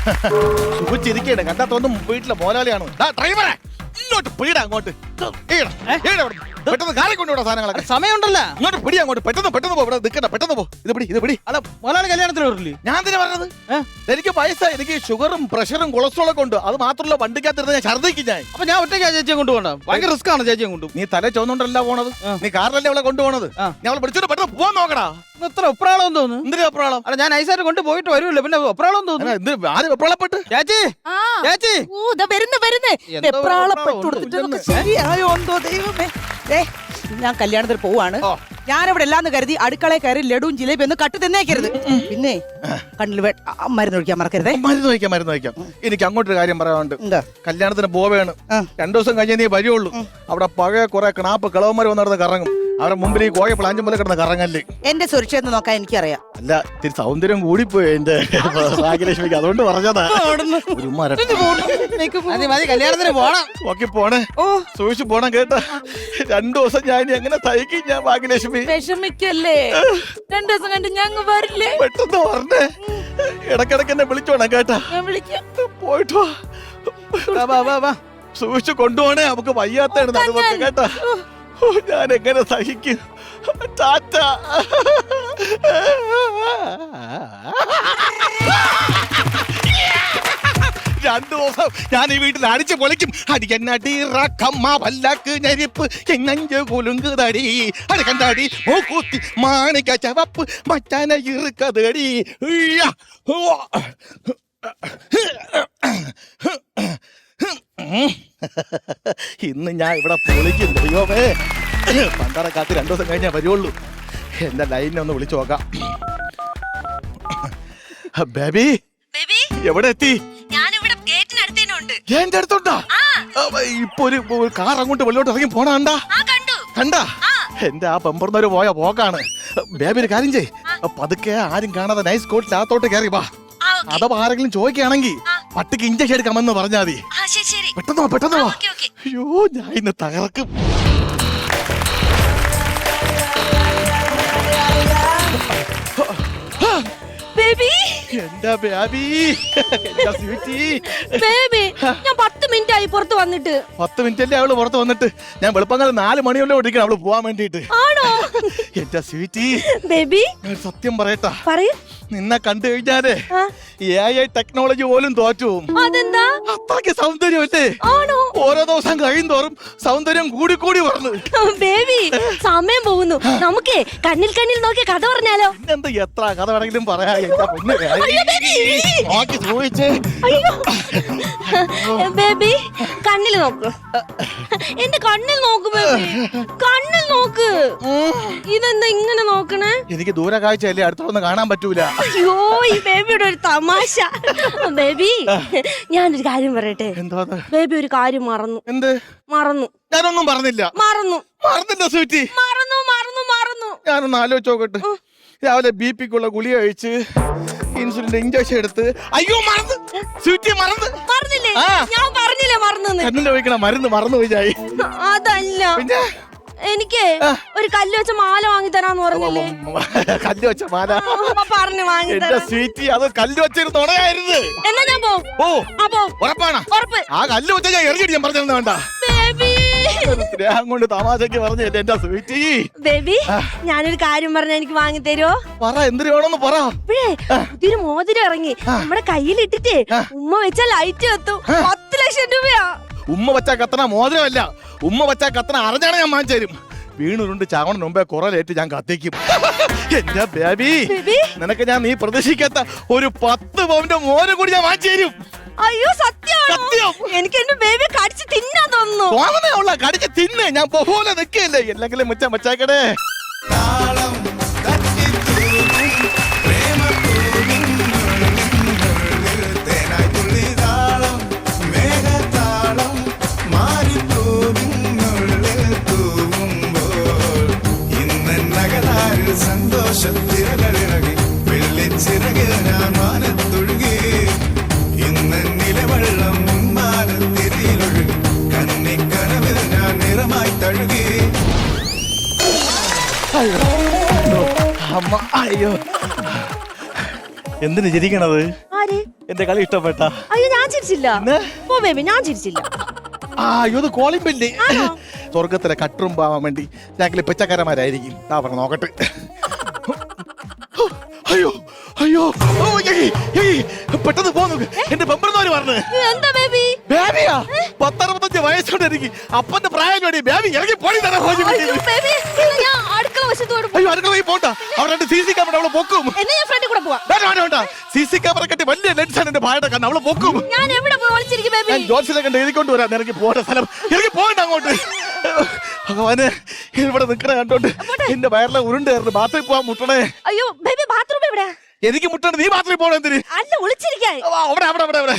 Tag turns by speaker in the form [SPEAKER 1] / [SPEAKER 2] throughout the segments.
[SPEAKER 1] സുഖിച്ചിരിക്കണേ കണ്ടാത്തൊന്നും വീട്ടിലെ മോലാളിയാണ്. ഡ്രൈവറെ ഇങ്ങോട്ട് പിടിടാ, അങ്ങോട്ട് പെട്ടെന്ന് കാറി കൊണ്ടുപോടാ സാധനങ്ങളൊക്കെ.
[SPEAKER 2] സമയമുണ്ടല്ലോ,
[SPEAKER 1] ഇങ്ങോട്ട് പിടി, അങ്ങോട്ട് പെട്ടെന്ന് പെട്ടെന്ന് പോ. ഇവിടെ നിൽക്കണ്ട, പെട്ടെന്ന് പോ. ഇത് പിടി.
[SPEAKER 2] അല്ല മുതലാളി കല്യാണത്തിന് വരില്ലേ?
[SPEAKER 1] ഞാൻ തന്നെ പറഞ്ഞത് എനിക്ക് വയസ്സായി, എനിക്ക് ഷുഗറും പ്രഷറും കൊളസ്ട്രോളൊക്കെ ഉണ്ട്. അത് മാത്രമല്ല വണ്ടിക്കകത്തിരുന്ന് ഞാൻ ഛർദ്ദിക്കും ഞാൻ.
[SPEAKER 2] അപ്പൊ ഞാൻ ഒറ്റയ്ക്ക് ചേച്ചിയെ കൊണ്ടുപോകണ്ട, ഭയങ്കര റിസ്ക് ആണ് ചേച്ചിയെ കൊണ്ടു.
[SPEAKER 1] നീ തല ചോന്നുകൊണ്ടല്ല പോണത്, നീ കാറിലല്ലേ അവളെ കൊണ്ടുപോണത്. ഞാൻ അവളെ പിടിച്ചോട്ട് പെട്ടെന്ന് പോവാൻ നോക്കടാ.
[SPEAKER 2] ഇത്ര ഒപ്രാളം തോന്നുന്നു.
[SPEAKER 1] എന്തിനാ വെപ്രാളം?
[SPEAKER 2] അല്ല ഞാൻ ഐസായിട്ട് കൊണ്ട് പോയിട്ട് വരുമല്ലോ, പിന്നെ ഒപ്രാളം തോന്നുന്നു.
[SPEAKER 1] ആര് വെപ്രാളപ്പെട്ട്?
[SPEAKER 2] ചേച്ചി ചേച്ചി
[SPEAKER 3] ശരിയായോ എന്തോ ദൈവമേ. ഞാൻ കല്യാണത്തിന് പോവാണ്. ഞാനിവിടെ എല്ലാന്ന് കരുതി അടുക്കളയിൽ കയറി ലഡുവും ജിലേബി ഒന്ന് കട്ട് തിന്നേക്കരുത്. പിന്നെ കണ്ണിൽ മരുന്ന് ഒഴിക്കാൻ മറക്കരുതേ.
[SPEAKER 1] മരുന്ന് വയ്ക്കാം. എനിക്ക് അങ്ങോട്ടൊരു കാര്യം പറയാനുണ്ട്. കല്യാണത്തിന് പോവേണ്. 2 ദിവസം കഴിഞ്ഞേ നീ വരുള്ളൂ. അവിടെ പഴയ കുറെ കിണാപ്പ് കിളവന്മാർ വന്നിടന്ന് കറങ്ങും. അവരുടെ മുമ്പിൽ ഈ കോയ പ്ലാഞ്ചും പോലെ കിടന്ന് കറങ്ങല്ലേ.
[SPEAKER 3] എന്റെ സുരക്ഷയെന്ന് നോക്കാൻ എനിക്കറിയാം.
[SPEAKER 1] അല്ല, ഇത്തിരി സൗന്ദര്യം കൂടിപ്പോയി എന്റെ ഭാഗ്യലക്ഷ്മിക്ക്, അതുകൊണ്ട് പറഞ്ഞതാ.
[SPEAKER 2] മതി കല്യാണത്തിന് പോണം.
[SPEAKER 1] ഓക്കെ പോണേ, സൂക്ഷിച്ചു പോണം കേട്ടാ. 2 ദിവസം ഞാൻ ഇനി എങ്ങനെ തയ്ക്കും ഞാൻ ഭാഗ്യലക്ഷ്മി?
[SPEAKER 3] വിഷമിക്കല്ലേ, 2 ദിവസം കണ്ട് ഞങ്ങൾ വരില്ലേ?
[SPEAKER 1] പെട്ടെന്ന് പറഞ്ഞേ, ഇടക്കിടക്ക് എന്നെ വിളിച്ചോണം കേട്ടാ. പോയിട്ടോ സൂക്ഷിച്ചു കൊണ്ടുപോണേ, നമുക്ക് വയ്യാത്തതാണ് അതുപോലെ കേട്ടാ. ഞാൻ എങ്ങനെ സഹിക്കും? ടാറ്റ. രണ്ടു ദിവസം ഞാൻ ഈ വീട്ടിൽ അടിച്ചു പൊളിക്കും. അടിക്കന്നടിറക്കമ്മ വല്ലാക്ക് ഞരിപ്പ് എങ്ങഞ്ച് കുലുങ്ക് തടി അടിക്കണ്ടടി മൂക്കൂത്തി മാണിക്ക ചവപ്പ് മച്ചാന ഇറുക്കതടി. ഇന്ന് ഞാൻ ഇവിടെ പൊളിക്കും. ദൈവമേ, പണ്ടാറക്കാത്ത് 2 ദിവസം കഴിഞ്ഞാൽ വരുള്ളൂ. എന്റെ ലൈനിനെ ഒന്ന് വിളിച്ചു നോക്കാം. ബേബി എവിടെ എത്തി? എന്റെ അടുത്തുണ്ടാ? ഇപ്പൊ ഒരു കാർ അങ്ങോട്ട് വെള്ളോട്ട് ഇറങ്ങി പോണ കണ്ടാ? എന്റെ ആ പെമ്പറന്നൊരു പോയ പോക്കാണ്. ബേബി ഒരു കാര്യം ചെയ്, പതുക്കെ ആരും കാണാതെ നൈസ് കോട്ടിനകത്തോട്ട് കയറി വാ. അഥവാ ആരെങ്കിലും ചോദിക്കുകയാണെങ്കിൽ പട്ടിക്ക് ഇഞ്ചക്ഷൻ എടുക്കാമെന്ന് പറഞ്ഞാൽ മതി. പെട്ടെന്ന് വാ. അയ്യോ, ഞാൻ ഇന്ന് തകർക്കും. എന്റെ ബേബി,
[SPEAKER 4] ഞാൻ 10 മിനിറ്റ് ആയി പുറത്ത് വന്നിട്ട്.
[SPEAKER 1] 10 മിനിറ്റ് അല്ലേ അവള് പുറത്ത് വന്നിട്ട്? ഞാൻ വെളുപ്പങ്ങൾ 4 മണിയോടെ ഓടിക്കണം അവള് പോവാൻ വേണ്ടിട്ട്.
[SPEAKER 4] ആണോ?
[SPEAKER 1] എന്റെ സ്വീറ്റി
[SPEAKER 4] ബേബി,
[SPEAKER 1] സത്യം പറയട്ടാ,
[SPEAKER 4] പറയൂ.
[SPEAKER 1] നിന്നെ കണ്ടു കഴിഞ്ഞാലേ AI ടെക്നോളജി പോലും തോറ്റു.
[SPEAKER 4] അതെന്താ?
[SPEAKER 1] അത്രയ്ക്ക് സൗന്ദര്യമല്ലേ?
[SPEAKER 4] ആണോ?
[SPEAKER 1] ഓരോ ദിവസം കഴിയുന്തോറും സൗന്ദര്യം കൂടി വരുന്നു.
[SPEAKER 4] ബേബി, സമയം പോകുന്നു. നമുക്കേ കണ്ണിൽ നോക്കി കഥ പറഞ്ഞാലോ?
[SPEAKER 1] എന്താ എത്ര കഥ വേണമെങ്കിലും പറയാ.
[SPEAKER 4] ബേബി, കണ്ണിൽ നോക്ക്. എന്റെ കണ്ണിൽ നോക്ക് ബേബി, കണ്ണിൽ നോക്ക്. ഇതെന്താ ഇങ്ങനെ നോക്കണേ?
[SPEAKER 1] എനിക്ക് ദൂര കാഴ്ചയല്ലേ, അടുത്തൊന്ന് കാണാൻ പറ്റൂല.
[SPEAKER 4] അയ്യോ, ഈ ബേബിയുടെ ഒരു തമാശ. ബേബി, ഞാനൊരു കാര്യം പറയട്ടെ.
[SPEAKER 1] എന്താ
[SPEAKER 4] ബേബി ഒരു കാര്യം മറന്നു.
[SPEAKER 1] എന്ത്
[SPEAKER 4] മറന്നു?
[SPEAKER 1] ഞാനൊന്നും പറഞ്ഞില്ല. മറന്നില്ല സ്വീറ്റി.
[SPEAKER 4] മറന്നു.
[SPEAKER 1] ഞാനൊന്ന് ആലോചിച്ച് നോക്കട്ടെ. രാവിലെ BP-ക്കുള്ള ഗുളിക കഴിച്ച് ഇൻസുലിന്റെ ഇഞ്ചക്ഷൻ എടുത്ത്. അയ്യോ, മറന്നു സ്വീറ്റി,
[SPEAKER 4] മറന്നില്ലേ? ഞാൻ പറഞ്ഞില്ലേ മറന്നു.
[SPEAKER 1] കണ്ണിൽ ഒഴിക്കണ മരുന്ന് മറന്നു പോയി.
[SPEAKER 4] അതല്ല, പിന്നെ എനിക്ക് ഒരു കല്ല് വെച്ച മാല വാങ്ങി തരാന്ന് പറഞ്ഞില്ലേ?
[SPEAKER 1] കല്ല് വെച്ച മാല
[SPEAKER 4] പറഞ്ഞു വാങ്ങി.
[SPEAKER 1] എന്റെ സ്വീറ്റി, അത് കല്ല് വെച്ചിരുന്ന് ഉണയായിരുന്നു.
[SPEAKER 4] എന്നാ ഞാൻ
[SPEAKER 1] ഉറപ്പാണ്? ആ കല്ല് വെച്ച ഞാൻ എറിഞ്ഞിട്ട് ഞാൻ പറഞ്ഞിരുന്ന വേണ്ട. സ്നേഹം കൊണ്ട് തമാശക്ക് പറഞ്ഞല്ലേ എന്റെ സ്വീറ്റി.
[SPEAKER 4] ബേബി, ഞാനൊരു കാര്യം പറഞ്ഞാ എനിക്ക് വാങ്ങി തരുമോ?
[SPEAKER 1] പറ, എന്തിനു വേണമെന്ന് പറ.
[SPEAKER 4] പുതിയൊരു മോതിരം ഇറങ്ങി, നമ്മുടെ കയ്യിലിട്ടിട്ട് ഉമ്മ വെച്ചാൽ ലൈറ്റ് കത്തും. 10 ലക്ഷം രൂപയാ.
[SPEAKER 1] ഉമ്മ വെച്ചാ കത്തണ മോതിരമല്ല, ഉമ്മ വെച്ചാ കത്തണ അറിഞ്ഞാണ് ഞാൻ വാങ്ങിച്ചു തരും. വീണുരുണ്ട് ചാവണ മുമ്പേ കുറേറ്റ് ഞാൻ കത്തിക്കും. എന്റെ ബേബി, നിനക്ക് ഞാൻ നീ പ്രതീക്ഷിക്കാത്ത ഒരു 10 പവന്റെ മോതിരം കൂടി ഞാൻ വാങ്ങിച്ചു തരും.
[SPEAKER 4] അയ്യോ, സത്യം. എനിക്ക് എന്റെ ബേബി കടിച്ച് തിന്നാൻ തോന്നുന്നു.
[SPEAKER 1] കടിച്ച് തിന്ന്, ഞാൻ പോലെ നിൽക്കല്ലേ. എന്തെങ്കിലും മച്ചാക്കടേ.
[SPEAKER 5] സന്തോഷത്തിരകളിറങ്ങി വെള്ളിച്ചിറകിൽ ഞാൻ മാനത്തൊഴുകി. ഇന്ന് നിലവെള്ളം മാനത്തിരയിലൊഴുകി. കന്നിക്കനവിൽ ഞാൻ നിറമായി തഴുകി.
[SPEAKER 1] അമ്മ, അയ്യോ, എന്തിനു ചിരിക്കണത്?
[SPEAKER 4] ആര്?
[SPEAKER 1] എന്റെ കളി ഇഷ്ടപ്പെട്ട
[SPEAKER 4] അയ്യോ ഞാൻ ചിരിച്ചില്ല. പോ ബേബി, ഞാൻ ചിരിച്ചില്ല.
[SPEAKER 1] ഇത് കോളിംഗ് ബെല്ല്. സ്വർഗത്തിലെ കട്ടുറുമ്പാവാൻ വേണ്ടി ഞങ്ങൾ പിച്ചക്കാരന്മാരായിരിക്കും. പറഞ്ഞു നോക്കട്ടെ. അയ്യോ അയ്യോ പെട്ടെന്ന് പോന്നു. എന്റെ ബമ്പർന്നവര് പറഞ്ഞു.
[SPEAKER 4] എന്താ ബേബി?
[SPEAKER 1] ബേബിയാ 10-65 വയസ്സുകൊണ്ട് എനിക്ക് അപ്പന്റെ പ്രായം വേണ്ടി ബേബി ഇറങ്ങി പോയി തന്നെ.
[SPEAKER 4] അയ്യോ ബേബി, ഞാൻ അടുക്കള വശത്തോട്
[SPEAKER 1] അയ്യോ അടുക്കള പോണ്ട. അവിടെ CC ക്യാമറ അവളെ പൊക്കും.
[SPEAKER 4] എന്നാ ഞാൻ ഫ്രണ്ടിൽ കൂടെ പോവാം.
[SPEAKER 1] വേണ്ട CC ക്യാമറ കെട്ടി വലിയ ലെൻസാണ് എന്റെ ഭാര്യയുടെ കണ്ണ്. അവളെ പൊക്കും.
[SPEAKER 4] ഞാൻ എവിടെ പോയി ഒളിച്ചിരിക്കും ബേബി?
[SPEAKER 1] ഞാൻ ജോത്സ്യനെ കണ്ട് എഴുതിക്കൊണ്ട് വരാം. ഇറങ്ങി പോകേണ്ട സ്ഥലം ഇറങ്ങി പോകണ്ട അങ്ങോട്ട്. ഭഗവാന് ഇവിടെ നിക്കണ കണ്ടോണ്ട് എന്റെ വയറിലെ ഉരുണ്ടായിരുന്നു. ബാത്റൂമിൽ പോവാൻ മുട്ടണേ.
[SPEAKER 4] അയ്യോ ബേബി, ബാത്റൂം എവിടെ?
[SPEAKER 1] എനിക്ക് മുട്ടണ്ട്. നീ ബാത്റൂമിൽ പോകണം. എന്തിന്?
[SPEAKER 4] അല്ല, ഒളിച്ചിരിക്കാൻ.
[SPEAKER 1] അവിടെ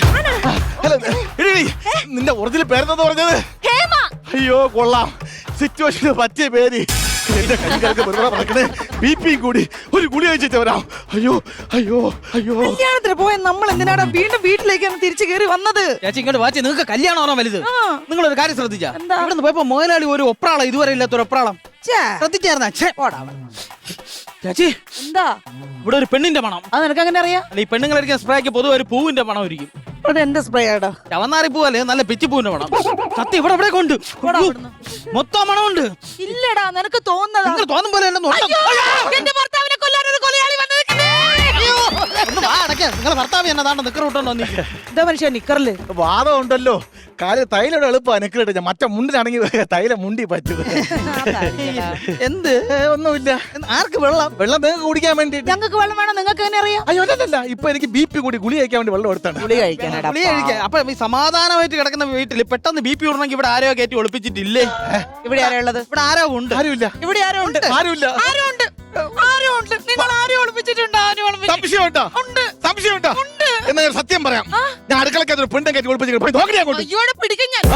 [SPEAKER 1] നിന്റെ ഒറിജിനൽ പേരെന്താ പറഞ്ഞത്?
[SPEAKER 4] ഹേമ.
[SPEAKER 1] അയ്യോ കൊള്ളാം. സിറ്റുവേഷന് പറ്റിയ പേര്. എന്റെ കൈകൾക്ക് പറക്കണേ. BP കൂടി ഒരു ഗുളി കഴിച്ചിട്ട് വരാം. അയ്യോ അയ്യോ അയ്യോ.
[SPEAKER 3] കല്യാണത്തിന് പോയ നമ്മൾ എന്തിനാണ് വീണ്ടും വീട്ടിലേക്കാണ് തിരിച്ചു കയറി വന്നത്?
[SPEAKER 2] ചേച്ചി ഇങ്ങോട്ട് വാച്ചി. നിങ്ങൾക്ക് കല്യാണമാണോ വലുത്? നിങ്ങളൊരു കാര്യം ശ്രദ്ധിച്ചാ?
[SPEAKER 3] എന്താ?
[SPEAKER 2] ഇവിടെ പോയപ്പോ മുതലാളി ഒരു ഒപ്രാളം ഇതുവരെ ഇല്ലാത്തൊരു ഒപ്രാളം ശ്രദ്ധിച്ചായിരുന്ന? ചേച്ചി
[SPEAKER 3] എന്താ
[SPEAKER 2] ഇവിടെ ഒരു പെണ്ണിന്റെ മണം.
[SPEAKER 3] അത് നിനക്ക് അങ്ങനെ അറിയാം?
[SPEAKER 2] അല്ല, ഈ പെണ്ണുങ്ങൾ അടിക്കുന്ന സ്പ്രേക്ക് പൊതുവെ ഒരു പൂവിന്റെ മണം ഇരിക്കും.
[SPEAKER 3] അത് എന്റെ സ്പ്രേ ആടാ.
[SPEAKER 2] ചവന്നാറി പൂവല്ലേ, നല്ല പിച്ചി പൂവിന്റെ മണം. സത്യം ഇവിടെ കൊണ്ട് മൊത്തം മണമുണ്ട്.
[SPEAKER 3] ഇല്ലടാ, നിനക്ക് തോന്നുന്നതാ.
[SPEAKER 2] നിങ്ങൾ തോന്നും പോലെ
[SPEAKER 3] എന്റെ ഭർത്താവിനെ കൊല്ലാനൊരു കൊലയാളി വന്നിരിക്കുന്നേ.
[SPEAKER 2] നിങ്ങളെ ഭർത്താവ് എന്നതാണ്ട് നിക്കർ വിട്ടോണ്ടോ?
[SPEAKER 3] എന്താ മനുഷ്യ നിക്കറില്
[SPEAKER 1] വാദം ഉണ്ടല്ലോ. കാര്യം തൈലോട് എളുപ്പമാണ് നിക്കറിട്ട്. മറ്റേ മുണ്ടിനാണെങ്കിൽ തൈലം മുണ്ടി പറ്റത്.
[SPEAKER 2] എന്ത്?
[SPEAKER 1] ഒന്നുമില്ല.
[SPEAKER 2] ആർക്ക് വെള്ളം?
[SPEAKER 1] വെള്ളം നിങ്ങൾക്ക് കുടിക്കാൻ വേണ്ടിട്ട്.
[SPEAKER 3] ഞങ്ങൾക്ക് വെള്ളം വേണം, നിങ്ങൾക്ക് എങ്ങനെ അറിയാം?
[SPEAKER 1] അയ്യോ അല്ലല്ല, ഇപ്പൊ എനിക്ക് BP കൂടി ഗുളി കഴിക്കാൻ വേണ്ടി വെള്ളം എടുത്താണ്.
[SPEAKER 3] ഗുളി കഴിക്കാനാടാ.
[SPEAKER 2] ഗുളിക കഴിക്കാൻ. അപ്പൊ ഈ സമാധാനമായിട്ട് കിടക്കുന്ന വീട്ടിൽ പെട്ടെന്ന് BP വിടണമെങ്കിൽ ഇവിടെ ആരോ കയറ്റി ഒളിപ്പിച്ചിട്ടില്ലേ?
[SPEAKER 3] ഇവിടെ ആരാ ഉള്ളത്?
[SPEAKER 2] ഇവിടെ ആരോ ഉണ്ട്.
[SPEAKER 1] ആരുമില്ല.
[SPEAKER 3] ഇവിടെ ആരോ ഉണ്ട്.
[SPEAKER 1] ആരുമില്ല.
[SPEAKER 3] നിങ്ങൾ ആരും ഒളിപ്പിച്ചിട്ടുണ്ടോ?
[SPEAKER 1] സംശയമുണ്ടോ? എന്നാ ഞാൻ സത്യം പറയാം. ഞാൻ അടുക്കളക്കകത്ത് പെണ്ണെ കയറ്റി ഒളിപ്പിച്ചിട്ട് നോക്കി അങ്ങോട്ട്.
[SPEAKER 3] അയ്യോടെ പിടിക്കാൻ ഞാൻ.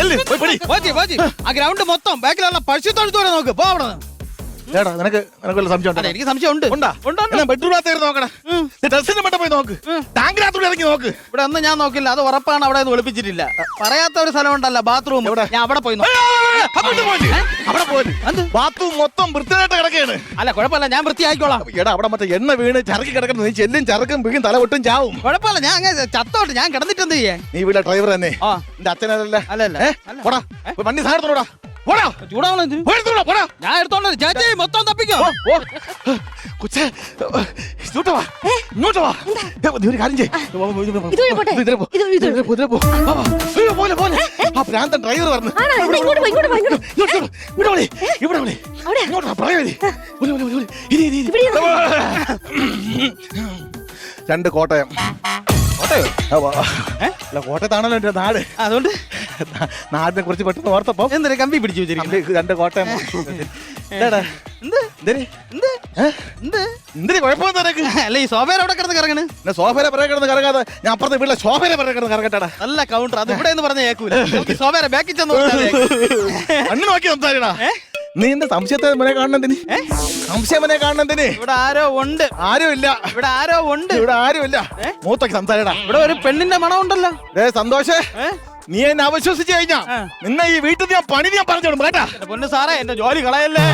[SPEAKER 2] ആ ഗ്രൗണ്ട് മൊത്തം ബാക്കിലുള്ള പശുത്തൊഴുത്തോടെ നോക്ക്. പോ അവിടെ നിന്ന്.
[SPEAKER 1] നിനക്ക് വല്ല സംശയം ഉണ്ടോ?
[SPEAKER 2] എനിക്ക് സംശയം ഉണ്ട്.
[SPEAKER 1] ബെഡ്റൂമിനകത്ത് നോക്കണം. ഡ്രസ്സിന്റെ മട്ട പോയി നോക്ക്. ടാങ്കിനകത്തൂടെ ഇറങ്ങി നോക്ക്.
[SPEAKER 2] ഇവിടെ ഒന്നും ഞാൻ നോക്കില്ല. അത് ഉറപ്പാണ്. അവിടെ ഒന്നും ഒളിപ്പിച്ചിട്ടില്ല. പറയാത്ത ഒരു സ്ഥലം ഉണ്ടല്ലോ, ബാത്റൂം. ഞാൻ അവിടെ പോയി
[SPEAKER 1] ബാത്റൂം മൊത്തം വൃത്തിയായിട്ട് കിടക്കുകയാണ്.
[SPEAKER 2] അല്ല കുഴപ്പമില്ല, ഞാൻ വൃത്തിയാക്കിക്കോളാം.
[SPEAKER 1] എടാ അവിടെ മറ്റേ എണ്ണ വീണ് ചരക്കി കിടക്കണം. നീ ചെല്ലും ചരക്കും വീഴും തല പൊട്ടും ചാവും.
[SPEAKER 2] കുഴപ്പമില്ല, ഞാൻ അങ്ങനെ ചത്തോട്ട്. ഞാൻ കിടന്നിട്ട് എന്ത് ചെയ്യാൻ?
[SPEAKER 1] നീ ഇവിടെ ഡ്രൈവർ തന്നെ. എന്റെ അച്ഛനല്ല. പോടാ വണ്ടി സാധനത്തോടാ.
[SPEAKER 2] ചൂടാവണം. ഞാൻ എടുത്തോണ്ട് ചേച്ചി മൊത്തം തപ്പിക്കോ.
[SPEAKER 1] കൊച്ചേ ഇങ്ങോട്ട് വാ. നീ ഒരു കാര്യം പോലെ ആ ഭ്രാന്തൻ ഡ്രൈവർ പറഞ്ഞു. രണ്ട് കോട്ടയം. കോട്ടയത്താണല്ലോ എന്റെ നാട്.
[SPEAKER 2] അതുകൊണ്ട്
[SPEAKER 1] നാടിനെ കുറിച്ച് പെട്ടെന്ന് ഓർത്തപ്പോ
[SPEAKER 2] എന്തിനാ കമ്പി പിടിച്ചു വെച്ചിരിക്കും?
[SPEAKER 1] രണ്ട് കോട്ടയം. എന്തിന് കുഴപ്പമൊന്നും നിനക്ക്?
[SPEAKER 2] അല്ല, ഈ സോഫയിൽ അവിടെ കിടന്ന് കറങ്ങണ്.
[SPEAKER 1] സോഫയിലെ പിറകെ കിടന്ന് കറങ്ങാതെ ഞാൻ അപ്പുറത്തെ വീട്ടിലെ സോഫയിലെ പിറകെ കിടന്ന് കറങ്ങട്ടാടാ.
[SPEAKER 2] നല്ല കൗണ്ടർ. അത് ഇവിടെ എന്ന് പറഞ്ഞ കേൾക്കൂല. സോഫയുടെ ബാക്കിൽ ചെന്ന്
[SPEAKER 1] അന്ന് നോക്കി സംസാരിക്കടാ. നീ എന്റെ സംശയത്തെ മനെ കാണുന്നതിന് സംശയം മനെ കാണുന്നതിന്
[SPEAKER 2] ഇവിടെ ആരോ ഉണ്ട്.
[SPEAKER 1] ആരും ഇല്ല.
[SPEAKER 2] ഇവിടെ ആരോ ഉണ്ട്.
[SPEAKER 1] ഇവിടെ ആരും ഇല്ല. മൂത്തൊക്കെ സംസാരിക്കടാ.
[SPEAKER 2] ഇവിടെ ഒരു പെണ്ണിന്റെ മണം ഉണ്ടല്ലോ.
[SPEAKER 1] സന്തോഷേ, നീ എന്നെ അവിശ്വസിച്ച് കഴിഞ്ഞാ നിന്നെ ഈ വീട്ടിൽ ഞാൻ പണി ഞാൻ പറഞ്ഞോളും കേട്ടാ.
[SPEAKER 2] പൊന്നു സാറേ, എന്റെ ജോലി കളയല്ലേ.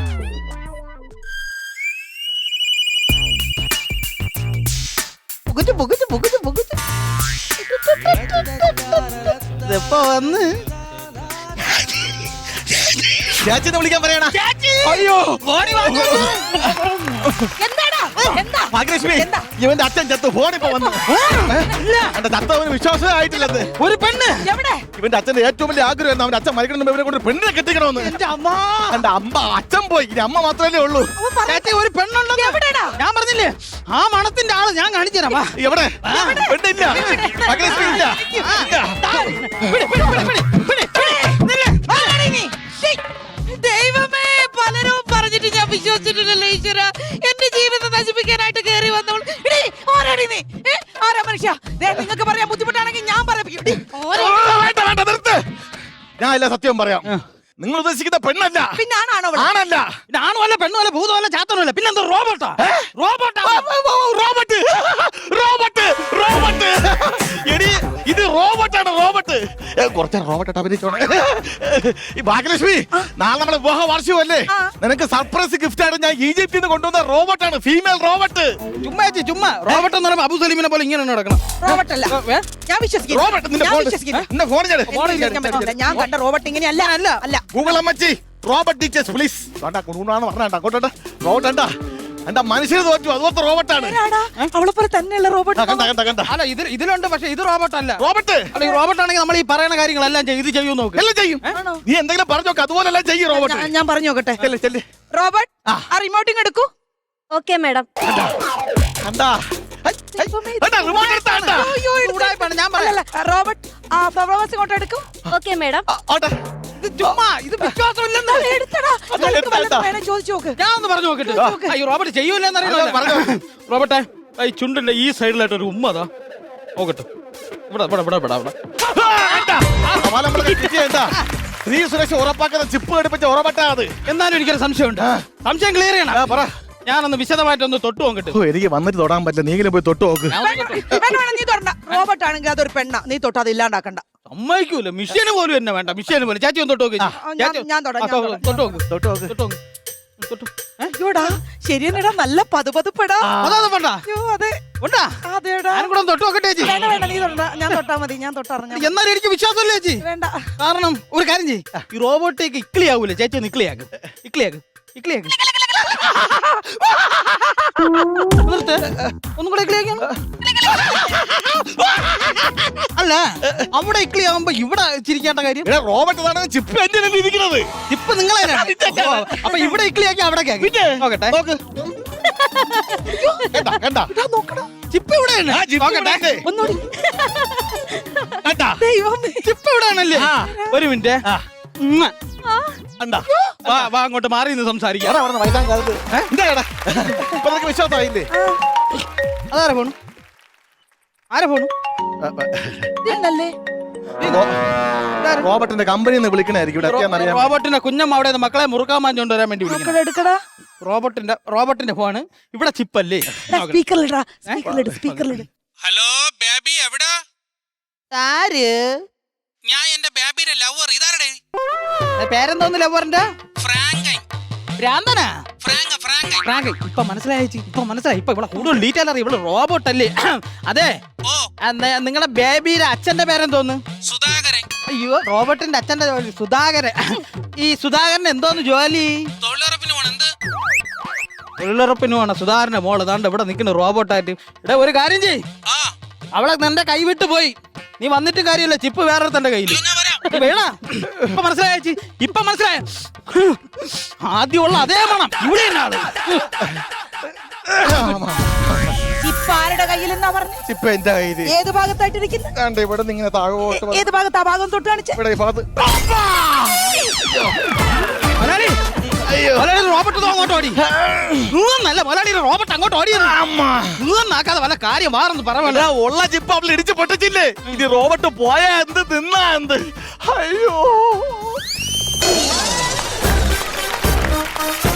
[SPEAKER 2] ഇതെപ്പോ വന്ന്
[SPEAKER 1] ചേച്ചിനെ വിളിക്കാൻ പറയണ. അയ്യോ ഭാഗ്യലക്ഷ്മി, ഇവന്റെ അച്ഛൻ ചത്തു. ഫോണിപ്പോ വന്നു. എന്റെ ചത്തവന് വിശ്വാസമേ ആയിട്ടില്ലത്.
[SPEAKER 2] ഒരു പെണ്ണ്
[SPEAKER 1] ഇവന്റെ അച്ഛന്റെ ഏറ്റവും വലിയ ആഗ്രഹം അവന്റെ അച്ഛൻ മരിക്കണം. ഇവരെ കൊണ്ട് പെണ്ണിനെ കെട്ടിക്കണമെന്ന്. എന്റെ അമ്മ അച്ഛൻ പോയി. ഇനി അമ്മ മാത്രമല്ലേ ഉള്ളൂ.
[SPEAKER 2] ഒരു പെണ്ണുണ്ടോ? ഞാൻ പറഞ്ഞില്ലേ, ആ മണത്തിന്റെ ആള് ഞാൻ കാണിച്ചു തരാം.
[SPEAKER 1] എവിടെ? പെണ്ണില്ല. ഭാഗ്യലക്ഷ്മി ഇല്ല.
[SPEAKER 3] ദൈവമേ, പലരും പറഞ്ഞിട്ട് ഞാൻ വിശ്വസിച്ചിട്ടില്ലല്ലോ ഈശ്വര. എന്റെ ജീവിതം നശിപ്പിക്കാനായിട്ട് കയറി വന്നവൾ. ആരാടി നീ? ആരാ മനുഷ്യ? നിങ്ങൾക്ക് പറയാൻ ബുദ്ധിമുട്ടാണെങ്കിൽ ഞാൻ പറയും.
[SPEAKER 1] ഞാൻ എല്ലാ സത്യം പറയാം. നിങ്ങൾ ഉദ്ദേശിക്കുന്ന പെണ്ണല്ല.
[SPEAKER 3] പിന്നെ ആണാണോ?
[SPEAKER 1] ആണല്ല.
[SPEAKER 2] ആണുമല്ല, പെണ്ണുമല്ല, ഭൂതമല്ല, ചാത്തനുമല്ല. പിന്നെന്താ? റോബോട്ടാ.
[SPEAKER 1] റോബോട്ട്. എടി ഇത് റോബോട്ടാണ്. റോബോട്ട് കുറച്ച് റോബോട്ട് അഭിനയിച്ചോണേ. ഈ ഭാഗ്യലക്ഷ്മി, നാളെ നമ്മുടെ വിവാഹ വാർഷികമല്ലേ? നിനക്ക് സർപ്രൈസ് ഗിഫ്റ്റ് ആയിട്ട് ഞാൻ ഈജിപ്തിൽ നിന്ന് കൊണ്ടുവന്ന റോബോട്ടാണ്, ഫീമെയിൽ റോബോട്ട്.
[SPEAKER 2] ചുമ്മാ ചേച്ചി ചുമ്മാ റോബോട്ട് എന്ന് പറയുമ്പോൾ അബു സലീമിനെ പോലെ ഇങ്ങനെ നടക്കണം.
[SPEAKER 3] റോബോട്ട് അല്ല, ഞാൻ വിശ്വസിക്കുന്നു.
[SPEAKER 1] റോബോട്ട് നിന്റെ
[SPEAKER 3] ഞാൻ
[SPEAKER 1] ഫോൺ
[SPEAKER 3] വിശ്വസിക്കുന്നു.
[SPEAKER 1] നിന്റെ ഫോൺ ചെയ്ത്
[SPEAKER 3] ഫോൺ വിശ്വസിക്കാൻ പറ്റില്ല. ഞാൻ കണ്ട റോബോട്ട് ഇങ്ങനെയല്ല. അല്ല
[SPEAKER 1] ഗൂഗിൾ അമ്മച്ചി റോബോട്ട് ടീച്ചേഴ്സ് പ്ലീസ്. വേണ്ട കുണുണാന്ന് പറഞ്ഞാ അങ്ങോട്ട് റോബോട്ട് കണ്ടാ എന്താ മനുഷ്യർ തോറ്റു, അതുപോലത്തെ റോബോട്ടാണ്.
[SPEAKER 3] അവളെ പോലെ തന്നെയുള്ള റോബോട്ട്.
[SPEAKER 1] കണ്ട
[SPEAKER 2] അല്ല ഇതിലുണ്ട്, പക്ഷെ ഇത് റോബോട്ട് അല്ല.
[SPEAKER 1] റോബോട്ട്
[SPEAKER 2] അല്ല ഈ റോബോട്ട് ആണെങ്കിൽ നമ്മൾ ഈ പറയുന്ന കാര്യങ്ങളെല്ലാം ഇത് ചെയ്യും നോക്ക്.
[SPEAKER 1] എല്ലാം ചെയ്യും. നീ എന്തെങ്കിലും പറഞ്ഞു നോക്ക്, അതുപോലെ എല്ലാം ചെയ്യും റോബോട്ട്.
[SPEAKER 3] ഞാൻ പറഞ്ഞു നോക്കട്ടെ. റോബോട്ട് ആ റിമോട്ടിങ് എടുക്കൂ.
[SPEAKER 4] Okay madam.
[SPEAKER 1] കണ്ടാ റിമോട്ട് എടുത്താ കണ്ടാ?
[SPEAKER 2] ചൂടായിപ്പാണ് ഞാൻ പറയാം.
[SPEAKER 3] റോബോട്ട് ആ ഫ്ലവേഴ്സ് ഇങ്ങോട്ട് എടുക്കൂ.
[SPEAKER 4] Okay madam.
[SPEAKER 2] ഇത് ചുമ്മാ ഇത് വിശ്വാസമില്ലെന്ന്.
[SPEAKER 3] എടുത്തടാ. ചോദിച്ചു നോക്ക്.
[SPEAKER 2] ഞാൻ ഒന്ന് പറഞ്ഞു നോക്കട്ടെ. ഈ റോബോട്ട് ചെയ്യൂലെന്നറിയാം. റോബോട്ടെ ഈ ചുണ്ടിന്റെ ഈ സൈഡിലായിട്ട് ഒരു ഉമ്മ അതാ നോക്കട്ടെ. ഇവിടെ ഇവിടെ ഇവിടെ ഇവിടെ ഇവിടെ
[SPEAKER 1] സ്ത്രീ സുരക്ഷ ഉറപ്പാക്കുന്ന ചിപ്പ് ഘടിപ്പിച്ച ഉറപ്പാട്ടാ അത്.
[SPEAKER 2] എന്നാലും എനിക്കൊരു സംശയമുണ്ട്. സംശയം ക്ലിയർ ചെയ്യണം.
[SPEAKER 1] പറ.
[SPEAKER 2] ഞാനൊന്ന് വിശദമായിട്ടൊന്ന് തൊട്ട് നോക്കട്ടെ.
[SPEAKER 1] എനിക്ക് വന്നിട്ട് തൊടാൻ പറ്റില്ല, നീങ്കിലും പോയി തൊട്ട് നോക്ക്.
[SPEAKER 3] നീ തൊടണ്ട. റോബോട്ട് ആണെങ്കിൽ അതൊരു പെണ്ണ, നീ തൊട്ട് അത് ഇല്ലാണ്ടാക്കണ്ട.
[SPEAKER 2] സമ്മതിക്കൂല. മിഷ്യന് പോലും എന്നെ വേണ്ട. മിഷ്യന് പോലും ചേച്ചി ഒന്ന് തൊട്ട് നോക്ക്.
[SPEAKER 3] ഞാൻ തൊടാം.
[SPEAKER 2] തൊട്ട് നോക്ക്.
[SPEAKER 1] തൊട്ട് നോക്ക്.
[SPEAKER 2] തൊട്ട് നോക്ക്. തൊട്ട്.
[SPEAKER 3] അയ്യോടാ ശരിയെന്നെടാ, നല്ല പതുപതുപ്പെടാ.
[SPEAKER 2] അതൊന്നും വേണ്ട.
[SPEAKER 3] അയ്യോ അതെ
[SPEAKER 2] ഉണ്ടാ.
[SPEAKER 3] അതെടാ.
[SPEAKER 2] ഞാനും കൂടെ ഒന്ന് തൊട്ട് നോക്കട്ടെ ചേച്ചി.
[SPEAKER 3] വേണ്ട വേണ്ട, നീ തൊടണ്ട. ഞാൻ തൊട്ടാ മതി. ഞാൻ തൊട്ടറിഞ്ഞ
[SPEAKER 2] എന്നാലും എനിക്ക് വിശ്വാസമില്ല ചേച്ചി.
[SPEAKER 3] വേണ്ട.
[SPEAKER 2] കാരണം ഒരു കാര്യം ചെയ്യ്, ഈ റോബോട്ടേക്ക് ഇക്ലിയാവൂലേ ചേച്ചി? ഒന്ന് ഇക്ലിയാക്ക്. ഇക്ലിയാക്ക്. ഇക്ലിയാക്ക്. നിർത്ത്. ഒന്നും കൂടെ ഇക്ലിയാക്കണം. അല്ല അവിടെ ഇക്ലിയാവുമ്പോ ഇവിടെ ചിരിക്കേണ്ട കാര്യം.
[SPEAKER 1] റോബോട്ട് ചിപ്പ് എന്റെ ഇരിക്കുന്നത്.
[SPEAKER 2] ഇപ്പൊ നിങ്ങളെ അപ്പൊ ഇവിടെ ഇക്ലിയാക്കി അവിടെ നോക്കട്ടെ. നോക്ക്. ചിപ്പ് ഇവിടെയാണ്. നോക്കട്ടെ.
[SPEAKER 3] ഒന്നുകൂടി.
[SPEAKER 2] ദൈവമേ, ചിപ്പ് ഇവിടെയാണല്ലേ? ഒരു മിനിറ്റ്. വാ വാ അങ്ങോട്ട് മാറി നിന്ന് സംസാരിക്കാം.
[SPEAKER 1] വിശ്വാസമായില്ലേ?
[SPEAKER 2] അതാരാ പോണു? ആരാ പോണു?
[SPEAKER 1] റോബോട്ടിന്റെ കമ്പനി വിളിക്കണായിരിക്കും.
[SPEAKER 2] റോബോട്ടിന്റെ കുഞ്ഞമ്മ അവിടെ മക്കളെ മുറുക്കാൻ മാഞ്ഞോണ്ട് വരാൻ വേണ്ടി വിളിക്കണം. റോബോട്ടിന്റെ ഫോണ് ഇവിടെ ചിപ്പല്ലേ?
[SPEAKER 6] ഹലോ ബേബി എവിടാ? ഞാൻ എന്റെ ബേബിയുടെ ലവർ. ഇതാരടേ?
[SPEAKER 2] പേരെന്തോന്ന് ലവറിന്റെ?
[SPEAKER 6] ഫ്രാങ്കൈ.
[SPEAKER 2] ഭ്രാന്തനാ?
[SPEAKER 6] Frank Frankie.
[SPEAKER 2] ഫ്രാങ്ക്. ഇപ്പൊ മനസ്സിലായി. ഇപ്പൊ മനസ്സിലായി. ഇപ്പൊ ഇവിടെ കൂടുതൽ ഡീറ്റെയിൽ അറിയാം. ഇവിടെ റോബോട്ട് അല്ലേ? അതെ.
[SPEAKER 6] ഓ
[SPEAKER 2] നിങ്ങളുടെ ബേബിയുടെ അച്ഛന്റെ പേരെന്തോന്ന്?
[SPEAKER 6] സുധാകരൻ.
[SPEAKER 2] അയ്യോ റോബോട്ടിന്റെ അച്ഛന്റെ സുധാകരൻ. ഈ സുധാകരൻ എന്തോന്ന് ജോലി?
[SPEAKER 6] തൊഴിലുറപ്പിന് പോണം. എന്ത്
[SPEAKER 2] തൊഴിലുറപ്പിന് പോണ സുധാകരന്റെ മോള് താണ്ട് ഇവിടെ നിൽക്കുന്ന റോബോട്ടായിട്ട്. ഇവിടെ ഒരു കാര്യം ചെയ്യ്,
[SPEAKER 6] ആ
[SPEAKER 2] അവളെ നിന്റെ കൈ വിട്ടു പോയി. നീ വന്നിട്ട് കാര്യമില്ല, ചിപ്പ് വേറെ തന്റെ കയ്യിൽ
[SPEAKER 6] ഞാൻ വരാം.
[SPEAKER 2] വേണ. ഇപ്പൊ മനസ്സിലായ ചേച്ചി? ഇപ്പൊ മനസ്സിലായ? ആദ്യമുള്ള അതേ മണം ഇവിടെ ആള്.
[SPEAKER 3] ചിപ്പ് ആരുടെ കയ്യിലെന്നാ പറഞ്ഞു?
[SPEAKER 1] ചിപ്പ് എന്റെ കയ്യില്.
[SPEAKER 3] ഏത് ഭാഗത്തായിട്ടിരിക്കുന്നത്?
[SPEAKER 1] ഇവിടെ ഇങ്ങനെ താഴോട്ട്.
[SPEAKER 3] ഏത് ഭാഗത്ത്? ആ ഭാഗം തൊട്ട് കാണിച്ചേ.
[SPEAKER 1] ഇവിടെ ഈ ഭാഗത്ത്.
[SPEAKER 2] മലയാളി റോബോട്ട് അങ്ങോട്ട് ഓടി. നല്ല മലയാളി റോബോട്ട് അങ്ങോട്ട് ഓടിയത്. നാക്കാതെ വല്ല കാര്യം മാറെന്ന് പറയാ.
[SPEAKER 1] ഉള്ള ചിപ്പ് അവൾ ഇടിച്ച് പൊട്ടിച്ചില്ലേ? ഇനി റോബോട്ട് പോയാ എന്ത് തിന്നാ എന്ത്? അയ്യോ